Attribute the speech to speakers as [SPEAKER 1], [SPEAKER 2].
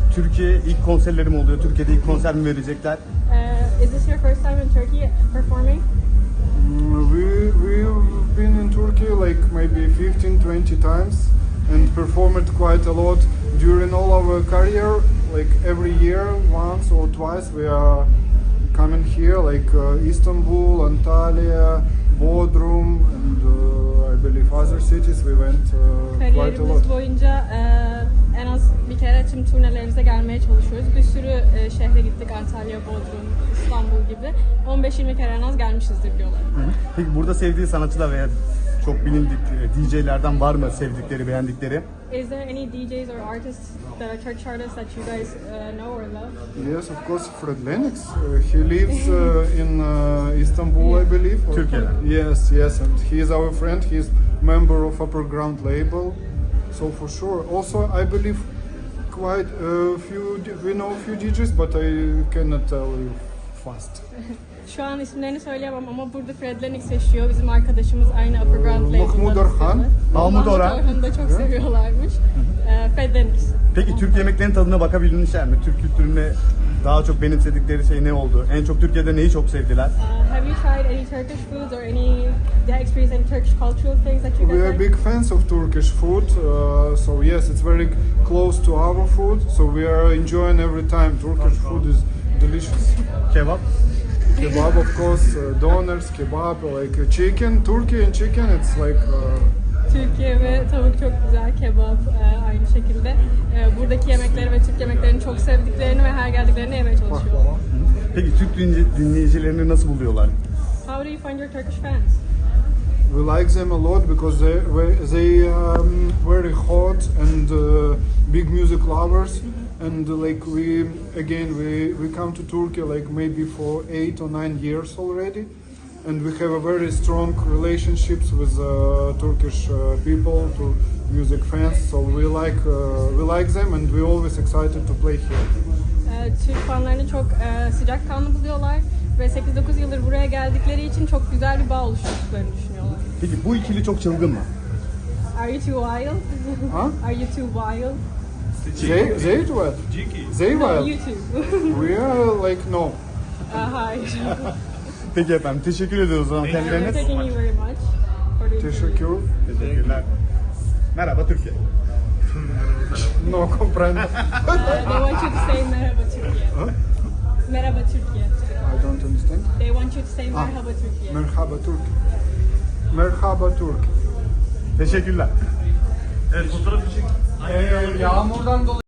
[SPEAKER 1] Türkiye ilk konserleri mi oluyor? Türkiye'de ilk konser mi verecekler?
[SPEAKER 2] Is this your first time in Turkey performing?
[SPEAKER 3] We've been in Turkey like maybe 15-20 times and performed quite a lot during all our career. Like every year, once or twice, we are coming here, like Istanbul, Antalya, Bodrum, and I believe other cities. We went quite a lot.
[SPEAKER 2] Kariyerimiz boyunca en az bir kere tüm turnelerimize gelmeye çalışıyoruz. Bir sürü şehre gittik. Antalya, Bodrum, İstanbul gibi. 15-20 kere en az gelmişizdir diyorlar.
[SPEAKER 1] Peki burada sevdiği sanatçılar veya çok bilindik DJ'lerden var mı sevdikleri, beğendikleri?
[SPEAKER 2] Is there any DJs or artists that are Turkish artists that you guys know or love?
[SPEAKER 3] Yes, of course, Fred Lennox. He lives in Istanbul, I believe.
[SPEAKER 1] Türkiye'de.
[SPEAKER 3] Yes, and he is our friend. He is member of Upper Ground label, so for sure. Also, I believe quite a few. We know a few DJs, but I cannot tell you fast.
[SPEAKER 2] Şu an isimlerini söyleyemem ama burada Fred Lennox yaşıyor. Bizim arkadaşımız aynı Upper Ground label'da.
[SPEAKER 3] Mahmut Orhan.
[SPEAKER 1] Mahmut Orhan.
[SPEAKER 2] Orhan'ı da çok seviyorlarmış. Fred Lennox.
[SPEAKER 1] Peki Türk yemeklerinin tadına bakabilmişler mi? Türk kültüründe daha çok benimsedikleri şey ne oldu? En çok Türkiye'de neyi çok sevdiler?
[SPEAKER 2] Have you tried any Turkish foods or any experience any Turkish cultural things that you guys
[SPEAKER 3] We are
[SPEAKER 2] like?
[SPEAKER 3] big fans of Turkish food, so yes, it's very close to our food. So we are enjoying every time. Turkish food is delicious.
[SPEAKER 1] Kebap.
[SPEAKER 3] Kebab, of course, donors, kebab, like chicken. Turkey and chicken, it's like.
[SPEAKER 2] Türkiye ve tavuk çok güzel, kebap aynı şekilde. Buradaki yemekleri ve Türk yemeklerini çok sevdiklerini ve her geldiklerini yemeye çalışıyorlar.
[SPEAKER 1] Peki Türk dinleyicilerini nasıl buluyorlar?
[SPEAKER 2] How do you find your Turkish fans?
[SPEAKER 3] We like them a lot because they very hot and big music lovers, and like we come to Turkey like maybe for 8 or 9 years already, and we have a very strong relationships with Turkish people, to music fans. So we like them, and we're always excited to play here.
[SPEAKER 2] Türk fanlarını çok sıcakkanlı buluyorlar ve 8-9 yıldır buraya geldikleri için çok güzel bir bağ oluşturduklarını düşünüyorlar.
[SPEAKER 1] Peki bu ikili çok çılgın mı?
[SPEAKER 2] Are you too wild?
[SPEAKER 3] Huh?
[SPEAKER 2] Are you too wild?
[SPEAKER 3] They what? They
[SPEAKER 2] No,
[SPEAKER 3] wild.
[SPEAKER 2] you too.
[SPEAKER 3] We are like no.
[SPEAKER 2] Hayır.
[SPEAKER 1] Peki efendim teşekkür ediyoruz o zaman kendilerine.
[SPEAKER 2] Thank you very much. for the interview.
[SPEAKER 3] Teşekkür.
[SPEAKER 1] Teşekkürler. Merhaba Türkiye.
[SPEAKER 3] No comprendo.
[SPEAKER 2] They want you to say merhaba Türkiye. Merhaba Türkiye.
[SPEAKER 3] I don't understand.
[SPEAKER 2] They want you to say merhaba Türkiye.
[SPEAKER 3] Merhaba Türk. Merhaba Türk.
[SPEAKER 1] Teşekkürler.
[SPEAKER 4] Evet, fotoğraf için.
[SPEAKER 5] Yağmurdan dolayı